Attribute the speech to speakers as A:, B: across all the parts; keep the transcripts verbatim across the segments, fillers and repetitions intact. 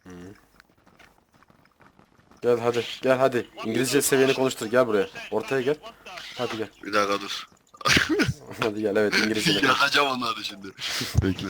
A: Hı. Gel hadi gel hadi. İngilizce seviyeni konuştur, gel buraya. Ortaya gel. Hadi gel.
B: Bir dakika dur.
A: Hadi gel, evet, İngilizce konuş.
B: Yakacağım onları şimdi. Bekle.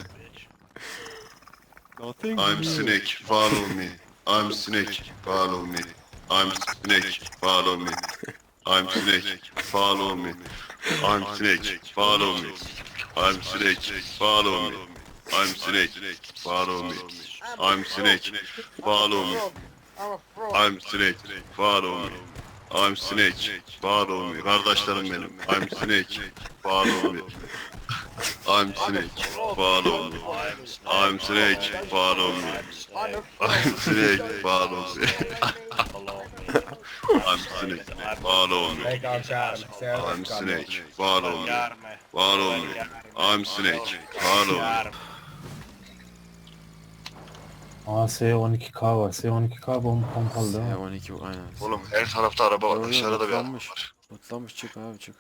A: Nothing
B: I'm
A: new.
B: snake, follow me. I'm snake, follow me. I'm snake, follow me. I'm snake, follow me. I'm snake, follow me. I'm snake, follow me. I'm snake, follow me. I'm snake, follow me. I'm snake, follow me. I'm snake, follow me. Kardeşlerim benim. I'm snake, follow me. I'm snake, follow me. I'm snake, follow me. I'm snake, follow me. I'm snake, follow me. I'm snake, follow me. Follow me. I'm snake, follow me.
C: Aa S on iki K var. S on iki K bomba pompalı değil
A: S
C: mi?
A: on iki aynen.
B: Oğlum her tarafta araba var.
A: Yo, yo,
B: Dışarıda bir araba
A: lootlanmış.
B: var.
A: Lootlanmış, çık abi çık.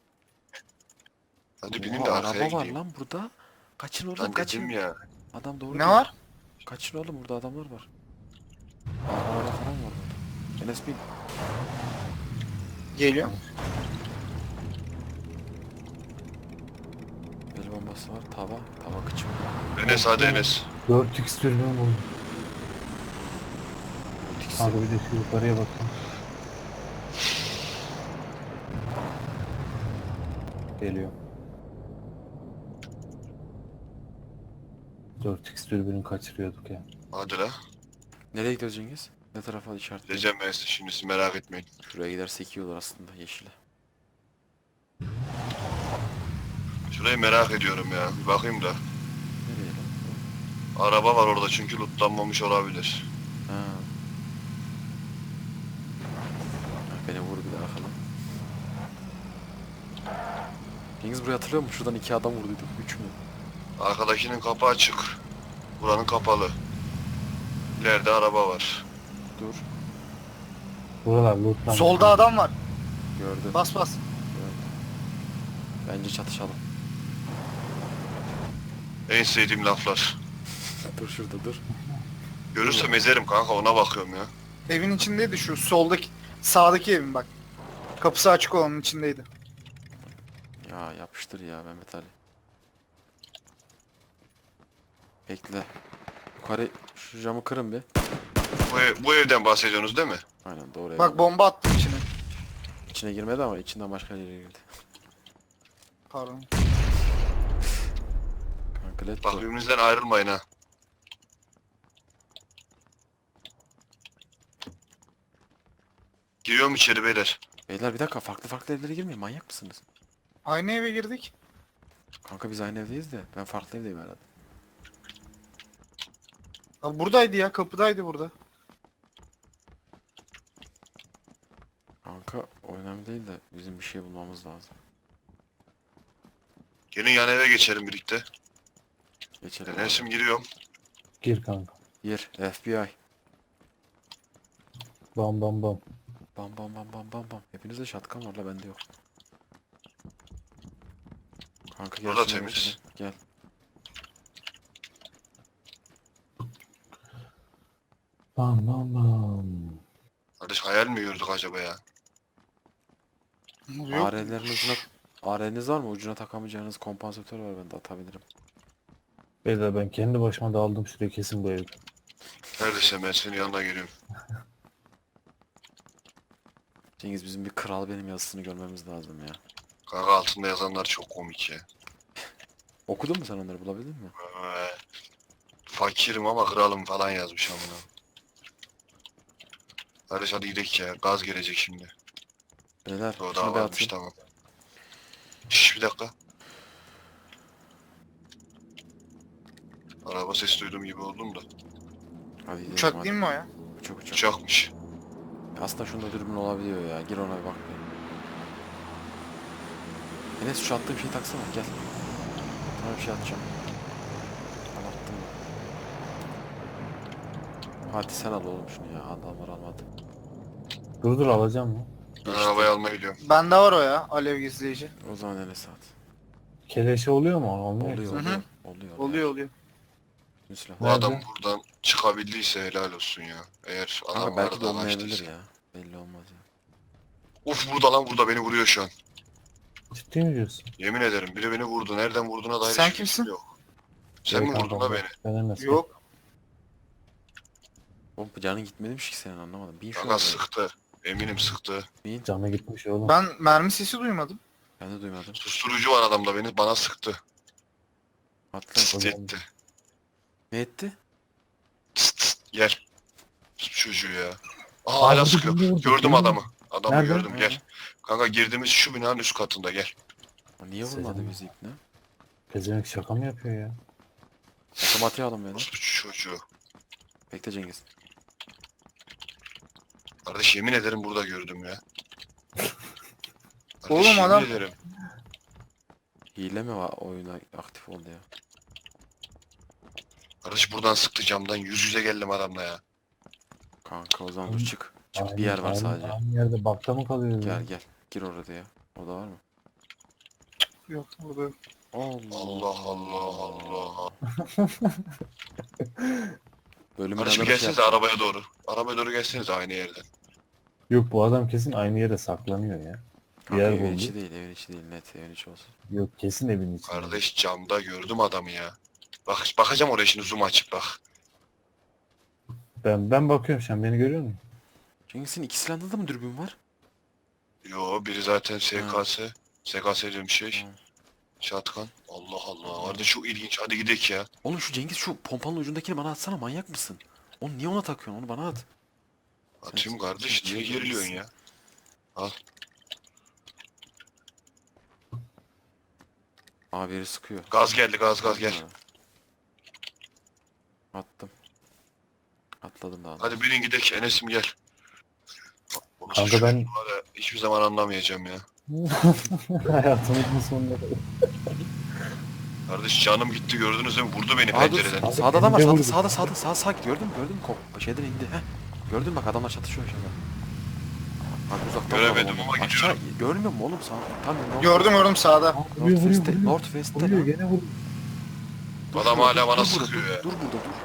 B: Hadi binin
A: Oha,
B: de arkaya
A: araba var
B: gideyim.
A: lan burada. Kaçın oğlum,
B: Lan
A: kaçın.
B: dedim ya.
A: Adam doğru
D: Ne
A: diyor.
D: var?
A: Kaçın oğlum, burada adamlar var. Araba falan var burada. Enes bin.
D: Geliyor.
A: El bombası var. Tava. Tava kıçım.
B: Enes hadi Enes.
C: dört x türbün buldum. Abi bir de şu yukarıya bakın. Geliyor. dört x türbünü kaçırıyorduk ya.
B: Hadi la.
A: Nereye gidiyoruz Cengiz? Ne tarafa işaretleyelim?
B: Gideceğim ben size şimdi, siz merak etmeyin.
A: Şuraya gidersek iyi olur aslında, yeşile.
B: Şurayı merak ediyorum ya. Bir bakayım da.
A: Nereye lan?
B: Araba var orada çünkü lootlanmamış olabilir.
A: Ha. Beni vur bir daha bakalım. Cengiz burayı hatırlıyor musun? Şuradan iki adam vurduyduk. Üç mü?
B: Arkadakinin kapı açık. Buranın kapalı. İleride araba var.
A: Dur.
C: Buralar lootlanmış.
D: Solda adam var.
A: Gördüm.
D: Bas bas.
A: Bence çatışalım.
B: En sevdiğim laflar.
A: Dur şurada dur.
B: Görürsem ezerim kanka, ona bakıyorum ya.
D: Evin içindeydi şu soldaki sağdaki evin bak. Kapısı açık olanın içindeydi.
A: Ya yapıştır ya Mehmet Ali. Bekle. Yukarı şu camı kırın bir.
B: Bu, ev- bu evden bahsediyorsunuz değil mi?
A: Aynen, doğru.
D: Bak
A: evet.
D: bomba attım içine.
A: İçine girmedi ama içinden başka yere girdi.
D: Pardon.
A: Kanka let
B: Bak
A: go.
B: birbirinizden ayrılmayın ha. Giriyorum içeri beyler.
A: Beyler bir dakika, farklı farklı evlere girmeyin, manyak mısınız?
D: Aynı eve girdik.
A: Kanka biz aynı evdeyiz de ben farklı evdeyim herhalde.
D: Abi buradaydı ya, kapıdaydı burada.
A: Kanka o önemli değil de bizim bir şey bulmamız lazım.
B: Gelin yan eve geçelim birlikte.
A: Geçelim.
B: Enes'im giriyorum.
C: Gir kanka.
A: Gir F B I.
C: Bam bam bam.
A: Bam bam bam bam bam bam. Hepinizde şatkan var la, bende yok. Kanka gel.
B: Burada
A: şuna
B: temiz.
A: geçelim, gel.
C: Bam bam bam.
B: Kardeş hayal mi gördük acaba ya?
D: Yok.
A: A R'lerin ucuna... A R'niz var mı? Ucuna takamayacağınız kompansatör var, ben de atabilirim.
C: Beyler ben kendi başıma daldım şuraya, kesin bu ev.
B: Neredesin, ben senin yanına geliyorum.
A: Cengiz, bizim bir kral benim yazısını görmemiz lazım ya.
B: Kanka altında yazanlar çok komik ya.
A: Okudun mu sen onları, bulabildin mi?
B: Ee, fakirim ama kralım falan yazmış amına. Kardeş hadi gidelim ya, gaz gelecek şimdi.
A: Beyler
B: O
A: şunu
B: daha
A: bir
B: varmış,
A: atın.
B: tamam. Şşş bir dakika. Araba sesi duyduğum gibi oldum da.
A: Hadi gidelim
D: Uçak
A: hadi.
D: değil mi o ya?
A: Uçak uçak.
B: Uçakmış.
A: Aslında şunda dürbün olabiliyor ya. Gir ona bir bak bir. Enes şu attığım şeyi taksana, gel. Sana bir şey atacağım. Al, attım. Hadi sen al oğlum şunu ya. Adamlar almadı.
C: Dur dur, alacağım mı?
B: Ben arabayı almaya gidiyorum.
D: Bende var o ya, alev gizleyici.
A: O zaman Enes at.
C: Keleşe oluyor mu? Olmuyor.
A: Oluyor
D: Hı
A: oluyor.
D: hı.
A: Oluyor.
D: Oluyor oluyor.
A: Bütün silah.
B: Bu
C: Nerede?
B: adam buradan çıkabildiyse helal olsun ya. Eğer adam
A: Kanka belki de
B: vardı,
A: olmayabilir
B: araçtıysa.
A: ya. Belli olmaz ya.
B: Uf burada lan, burada beni vuruyor şu an.
C: Ciddi mi diyorsun?
B: Yemin ederim biri beni vurdu. Nereden vurduğuna dair
D: Sen
B: hiçbir
D: kimsin?
B: fikrim yok. Sen mi
C: Yok
B: vurdun
C: kanka,
B: la beni?
C: Ben Enes.
D: Yok.
A: Oğlum canın gitmemiş ki senin, anlamadım. Bin şu
B: Kanka
A: an.
B: sıktı. Eminim sıktı.
A: Bin.
C: Canı gitmiş oğlum.
D: Ben mermi sesi duymadım.
A: Ben de duymadım.
B: Susturucu var adamda, beni bana sıktı.
A: Atla.
B: Tıst etti.
A: Ne etti?
B: Tıst tıst. Gel. Şu çocuğu ya. Aa
C: Aa,
B: hala
C: vurdu,
B: sıkıyor.
C: vurdu, vurdu.
B: Gördüm
C: Vurdu.
B: adamı. Adamı
C: Nerede?
B: gördüm, gel.
A: Nerede?
B: Kanka girdiğimiz şu binanın üst katında, gel.
A: O niye vurmadı
C: Selam.
A: bizi ipne?
C: Pezevenk şaka mı yapıyor ya?
A: Otomatiğe alın beni.
B: Nasıl çocuğu?
A: Bekle Cengiz.
B: Kardeş yemin ederim burada gördüm ya. Kardeş,
D: Oğlum
B: yemin
D: adam-
B: ederim.
A: Hile mi var oyuna aktif oldu ya?
B: Kardeş buradan sıktı camdan, yüz yüze geldim adamla ya.
A: Kanka o zaman dur çık. Çık
C: Aynı-
A: bir yer var
C: aynı-
A: sadece.
C: Aynı yerde bakta mı kalıyoruz ya?
A: Gel gel. Gir orada ya. O da var mı?
D: Yok burada yok.
A: Allah
B: Allah Allah Allah.
A: Bölümün
B: Kardeşim
A: adını şey
B: gelsenize
A: yaptım.
B: arabaya doğru. Arabaya doğru gelseniz aynı yerden.
C: Yok bu adam kesin aynı yere saklanıyor ya. Bir
A: Kanka
C: yer
A: evin
C: buldu.
A: içi değil, evin içi değil, net evin içi olsun.
C: Yok kesin evin içinde.
B: Kardeş camda gördüm adamı ya. Bak bakacağım oraya şimdi, zoom açıp bak.
C: Ben ben bakıyorum, sen beni görüyor musun?
A: Cengiz'in iki silahında da mı dürbün var?
B: Yo biri zaten S K S. S K S diyorum şey.
A: Hı.
B: Şatkan. Allah Allah. Kardeş çok ilginç. Hadi gidelim ya.
A: Oğlum şu Cengiz şu pompanın ucundakini bana atsana, manyak mısın? Onu niye ona takıyorsun, onu bana at.
B: Atayım
A: Sen-
B: kardeş.
A: sen
B: Niye
A: çılgın
B: geriliyorsun
A: mısın?
B: ya?
A: Abi biri sıkıyor.
B: Gaz geldi, gaz gaz gel.
A: Attım. Atladım daha.
B: Hadi binin gidelim. Enes'im gel. Orası
C: Kanka
B: şu
C: ben-
B: var ya, hiçbir zaman anlamayacağım ya.
C: Hayatımızın sonunda.
B: Kardeş canım gitti, gördünüz değil mi? Vurdu beni
A: Aa dur,
B: pencereden.
C: Abi,
A: sağda adam var,
C: bence
A: sağda
C: vurdu.
A: sağda sağda sağ sağ git, gördün mü? Gördün mü? Ko- şeyden indi. Heh. Gördün mü, bak adamlar çatışıyor aşağıda. Abi uzaktan
B: Göremedim
A: vuralım
B: ama
A: onu. Aşağı görmüyor musun oğlum sağ? Tam North
D: Gördüm gördüm sağda.
C: Aa, vuruyor vuruyor
A: Northwest'te,
C: vuruyor.
A: Northwest'te
C: Vuruyor
A: lan.
C: gene vuruyor.
A: Dur
B: Adam
A: şurada,
B: hala
A: dur,
B: bana
A: dur burada,
B: sıkıyor
A: dur,
B: ya.
A: Dur burada dur.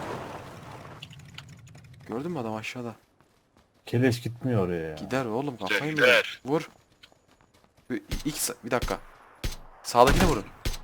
A: Gördün mü adam aşağıda?
C: Keleş gitmiyor oraya ya.
A: Gider oğlum, kafayı mı?
B: gider.
A: yer? Vur. Bir, ilk, sa- bir dakika. Sağdakine vurun.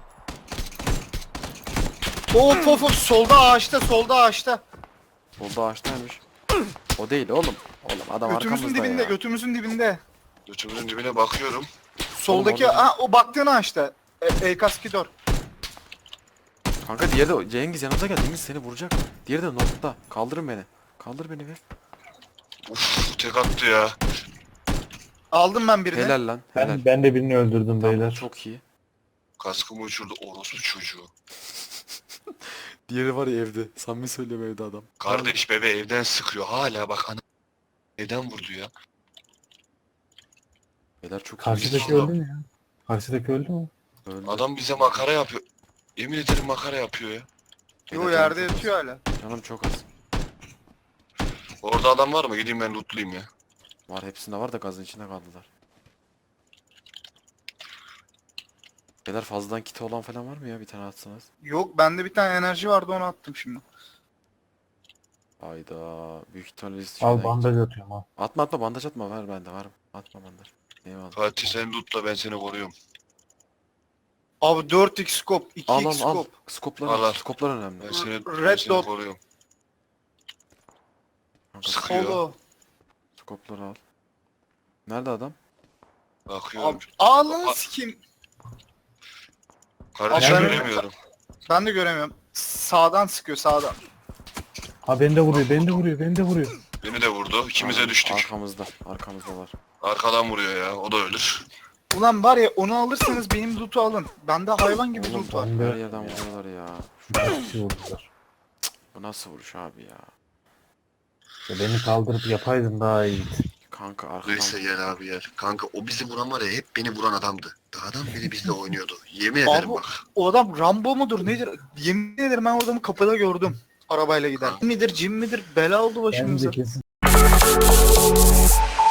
D: Of of of, solda ağaçta, solda ağaçta.
A: Solda ağaçtaymış. O değil oğlum. Oğlum adam
D: Götümüzün
A: arkamızda
D: dibinde,
A: ya.
D: götümüzün dibinde.
B: Götümün dibine bakıyorum.
D: Soldaki,
A: orada-
D: ha o baktığın ağaçta. E, Eykaskidor.
A: Kanka diğeri de Cengiz yanımıza gel. Cengiz seni vuracak. Diğeri de North'ta. Kaldırın beni. Kaldır beni be.
B: Uf tek attı ya.
D: Aldım ben birini.
A: Helal lan. Helal.
C: Ben, ben de birini öldürdüm
A: Tamam,
C: beyler.
A: çok iyi.
B: Kaskımı uçurdu orospu çocuğu.
A: Diğeri var ya evde. Samimi söylüyorum, evde adam.
B: Kardeş bebe evden sıkıyor. Hala bak ana. Evden vurdu ya.
A: Beyler çok iyi.
C: Karşıdaki öldü mü ya? Karşıdaki öldü mü?
A: Öldü.
B: Adam bize makara yapıyor. Yemin ederim makara yapıyor ya.
D: Yo
A: Beyler,
D: yerde
A: canım çok
D: yatıyor
A: az.
D: hala.
A: Canım çok az.
B: Orada adam var mı? Gideyim ben lootlayayım ya.
A: Var, hepsinde var da gazın içinde kaldılar. Beyler fazladan kit olan falan var mı ya, bir tane atsanız?
D: Yok, bende bir tane enerji vardı, onu attım şimdi.
A: Hayda, büyük ihtimalle biz
C: Al
A: şeyden
C: bandaj atıyorum al.
A: Atma atma, bandaj atma, ver bende var. Atma bandaj. Eyvallah.
B: Fatih sen lootla, ben seni koruyorum.
D: Abi dört x scope, iki
A: Al
D: x
A: al al.
D: scope.
A: Skoplar,
B: Al, al.
A: skoplar önemli.
B: Ben seni, ben
D: Red
B: seni
D: dot.
B: koruyorum.
A: Kanka,
B: Sıkıyor.
D: Solo.
A: skopları al. Nerede adam?
B: Bakıyorum.
D: Abi, ağlını sikeyim.
B: Kardeşim
D: Abi ben-
B: göremiyorum.
D: Ben de göremiyorum. Sağdan sıkıyor, sağdan.
C: Ha beni de vuruyor, beni de vuruyor, beni de vuruyor.
B: Beni de vurdu. İkimize
A: Tamam,
B: düştük.
A: Arkamızda. Arkamızda var.
B: Arkadan vuruyor ya. O da ölür.
D: Ulan var ya, onu alırsanız benim loot'u alın. Bende hayvan gibi
A: Oğlum
D: loot var.
C: ben de-
A: her yerden vuruyorlar ya.
C: Bir kişi vurdular.
A: Bu nasıl vuruş abi ya?
C: Ya beni kaldırıp yapaydın daha iyiydi.
A: Kanka arkadan.
B: Neyse gel abi gel. Kanka o bizi vuran var ya, hep beni vuran adamdı. Adam beni bizle oynuyordu. Yemin ederim
D: Abi,
B: bak.
D: o adam Rambo mudur nedir? Yemin ederim ben o adamı kapıda gördüm. Arabayla gider. Midir, cin midir? Bela oldu
C: Ben
D: başımıza.
C: de kesin